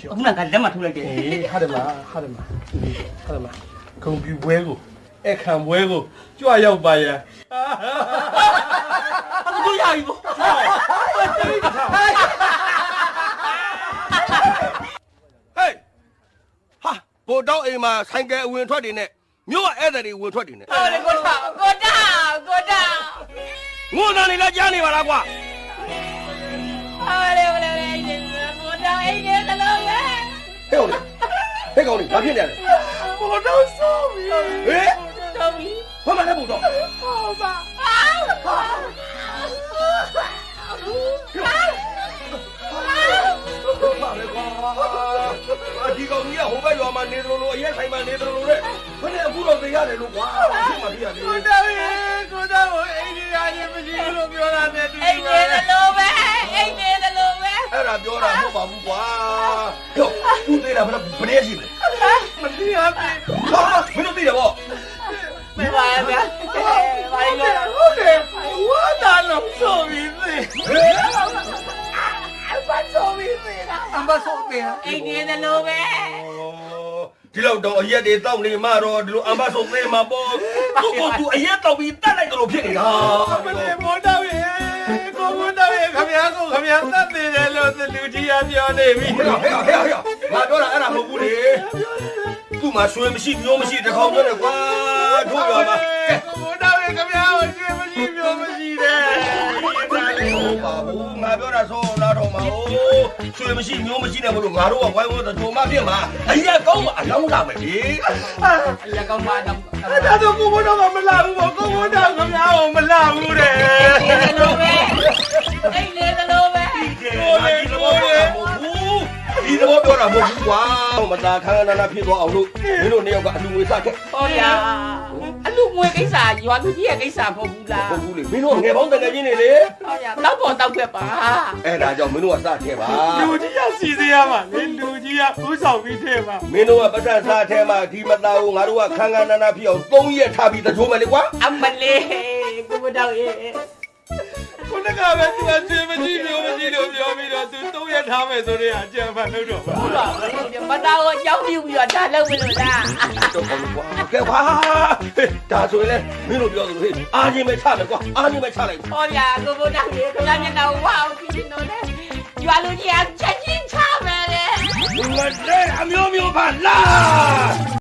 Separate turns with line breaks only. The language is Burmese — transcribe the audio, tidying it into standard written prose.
အခုနကလက်မထိုးလိုက်တယ်
ဟာတယ်မဂုံပြူပွဲကိုအခမ်းပွဲကိုကြွရောက်ပါရန်
အခုရပြီပေါ့
ဟေးဟာဘို့တော့အိမ်မှာဆိုင်ကယ်အဝင်ထွက်တွေနဲ့မြို့ကဧည့်သည်တွေဝင်ထွက်တွေနဲ့
ဟုတ်တယ်ကိုတာ
ငိုတန်နေလားကြားနေပါလားကွာ
ဟုတ်တယ်ကိုတာအိမ်နေသလုံးပဲ
ဟဲ့ကောင်လေးဘာဖြစ်နေလဲ
ကိုတော့ဆိုပြီ
ဟေး
တော့ပြီ
ဘာမှလည်းဘို့တော့
ဟုတ်ပါ
ဘာလဲကွာဒီကောင်ကြီးကဟိုဘက်ရွာမှာနေတယ်လို့အရက်ဆိုင်မှာနေတယ်လို့လေဘယ်နဲ့အခုတော့သိရတယ်လို့ကွာဖြစ်မှာပြရတယ်
ကိုတော့အိမ်ကြီးရရင်မရှိလို့ပြောတာနဲ့တူ
အိမ်နေသလုံးပဲ
အဲ့ဒါပြောတာမဟုတ်ပါဘူးကွာဟိုသူသေးတာဘယ်နဲ့ရှိလဲ
မသိရပြီ
ဟာမင်းတို့သိတယ်ဗော
မပါဗျာဘာလို့လဲ
ဟုတ်တယ်ဝါတာလုံးဆိုပြီးသိ
ဟေး
ဘာဆိုပြီးနေတာ
အမဆိုးတယ်
အိမ်နေသလုံးပဲ
ဒီလောက်တော့အရက်တွေတောက်နေမှတော့ဒီလိုအမဆိုသေးမှာပေါ့သူအရက်တောက်ပြီးတတ်လိုက်တယ်လို့ဖြစ်နေတာ
မလေးမောတော့ရဲ့ကိုတော့ရဲ့ခမရကိုခမရတတ်နေတယ်လို့လူကြီးကပြောနေပြီ
ဟဲ့ငါပြောတာအဲ့ဒါမဟုတ်ဘူးလေသူ့မှာဆွေမရှိမျိုးမရှိတခေါင်ပြောနေကွာတို့ရောမှာ
ကိုတော့ရဲ့ခမရကိုရွှေမရှိမျိုးမရှိတယ်
ဟုတ်ပါဘူးငါပြောတာဆိုနားတော့မှာဟိုဆွေမရှိမျိုးမရှိတယ်မလို့ငါတို့ကဝိုင်းဝန်းတို့မှဖြစ်မှာအရက်ကောင်းမှာအလောင်းလာမယ်လေ
အရာကောင်းပါတော့
အဲ့ဒါတော့ကိုတော့မလာဘူးပေါ့ကိုတော့ခမရကိုမလာဘူးတဲ့
အိမ်နေသလုံးပဲ
ဒီတော့ပြောတာမဟုတ်ဘူးကွာမตาခန်းနာဖြစ်သွားအောင်လို့မင်းတို့နှစ်ယောက်ကအလူငွေစခဲ့
ဟောရအလူငွေကိစ္စရွာလူကြီးရဲ့ကိစ္စမဟုတ်ဘူးလား
ဟုတ်ဘူးလေမင်းတို့ငယ်ပေါင်းတကယ်ချင်းနေလေ
ဟောရတောက်ပေါ်တောက်ခဲ့ပါ
အဲ့ဒါကြောင့်မင်းတို့ကစခဲ့ပါ
လူကြီးကစီစီရမှာလေလူကြီးကဥဆောင်ပြီးထဲမှာ
မင်းတို့ကပတ်စံစားထဲမှာဒီမသားကိုငါတို့ကခန်းနာဖြစ်အောင်3ရက်ထားပြီးတချိုးမယ်လေကွာ
အမလေးကိုမတော့ရဲ့
ခုနကပဲသူကကျွေးမရှိလို့မရှိလို့ပြောပြီးတော့သူ3ရက်ထားမယ်ဆိုတော့အကြံဖတ်လို့တော့ပါ
ဟုတ်ပါဘူးမတော်ကိုကြောက်ပြူပြီးတော့ဒါလုပ်မလို့လား
တော့ကောင်းကွာကဲပါဒါဆိုရင်လေမင်းတို့ပြောသလိုဟေးအားချင်းပဲချမယ်ကွာအားချင်းပဲချလိုက်
ဟောရကိုမတော့ရဲ့ခလာမျက်နှာဝါအောင်ပြီးနေတော့ရွာလူကြီးကချက်ချင်းချမယ်လေ
ငါတဲ့အမျိုးမျိုးပါလား